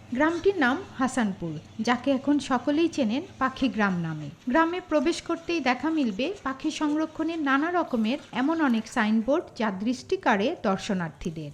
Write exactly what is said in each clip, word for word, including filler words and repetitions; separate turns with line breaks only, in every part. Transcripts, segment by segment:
গ্রামটির নাম হাসানপুর, যাকে এখন সকলেই চেনেন পাখি গ্রাম নামে। গ্রামে প্রবেশ করতেই দেখা মিলবে পাখি সংরক্ষণের নানা রকমের এমন অনেক সাইনবোর্ড, যা দৃষ্টি কাড়ে দর্শনার্থীদের।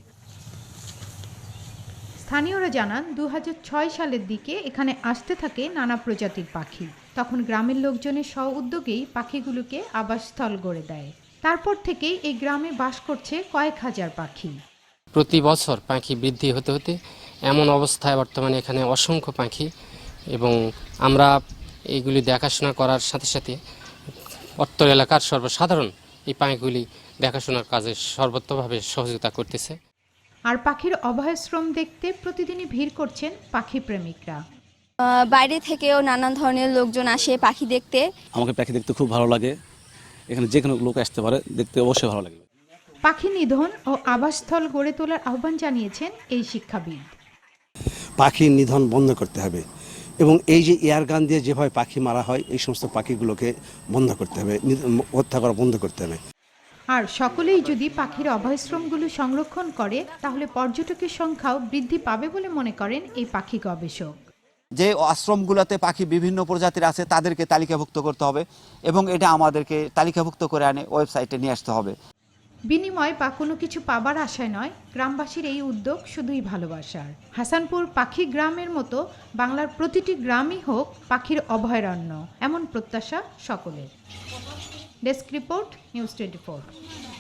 স্থানীয়রা জানান, দু হাজার ছয় সালের দিকে এখানে আসতে থাকে নানা প্রজাতির পাখি। তখন গ্রামের লোকজনের স্ব উদ্যোগেই পাখিগুলোকে আবাসস্থল গড়ে দেয়। তারপর থেকেই এই গ্রামে বাস করছে কয়েক হাজার পাখি।
প্রতি বছর পাখি বৃদ্ধি হতে হতে এমন অবস্থায় বর্তমানে এখানে অসংখ্য পাখি, এবং আমরা এইগুলি দেখাশোনা করার সাথে সাথে অত্র এলাকার সর্বসাধারণ এই পাখিগুলি দেখাশোনার কাজে সর্বত্রভাবে সহযোগিতা করতেছে।
আর পাখির অভয়াশ্রম দেখতে প্রতিদিনই ভিড় করছেন পাখি প্রেমিকরা।
বাইরে থেকেও নানান ধরনের লোকজন আসে পাখি দেখতে।
আমাকে পাখি দেখতে খুব ভালো লাগে, এখানে যে কোনো লোক আসতে পারে, দেখতে অবশ্যই ভালো লাগে।
পাখি নিধন ও আবাসস্থল গড়ে তোলার আহ্বান জানিয়েছেন এই শিক্ষাবিদ।
পাখি নিধন বন্ধ করতে হবে, এবং এই যে এয়ারগান দিয়ে যেভাবে পাখি মারা হয়, এই সমস্ত পাখিগুলোকে বন্ধ করতে হবে, হত্যা করা বন্ধ করতে হবে।
আর সকলেই যদি পাখির অভয়াশ্রমগুলো সংরক্ষণ করে, তাহলে পর্যটকের সংখ্যাও বৃদ্ধি পাবে বলে মনে করেন এই পাখি গবেষক।
যে আশ্রমগুলোতে পাখি বিভিন্ন প্রজাতির আছে তাদেরকে তালিকাভুক্ত করতে হবে, এবং এটা আমাদেরকে তালিকাভুক্ত করে আনে ওয়েবসাইটে নিয়ে আসতে হবে।
বিনিময় বা কোনো কিছু পাবার আশায় নয়, গ্রামবাসীর এই উদ্যোগ শুধুই ভালোবাসার। হাসানপুর পাখি গ্রামের মতো বাংলার প্রতিটি গ্রামই হোক পাখির অভয়ারণ্য, এমন প্রত্যাশা সকলের। Desk report, news twenty four.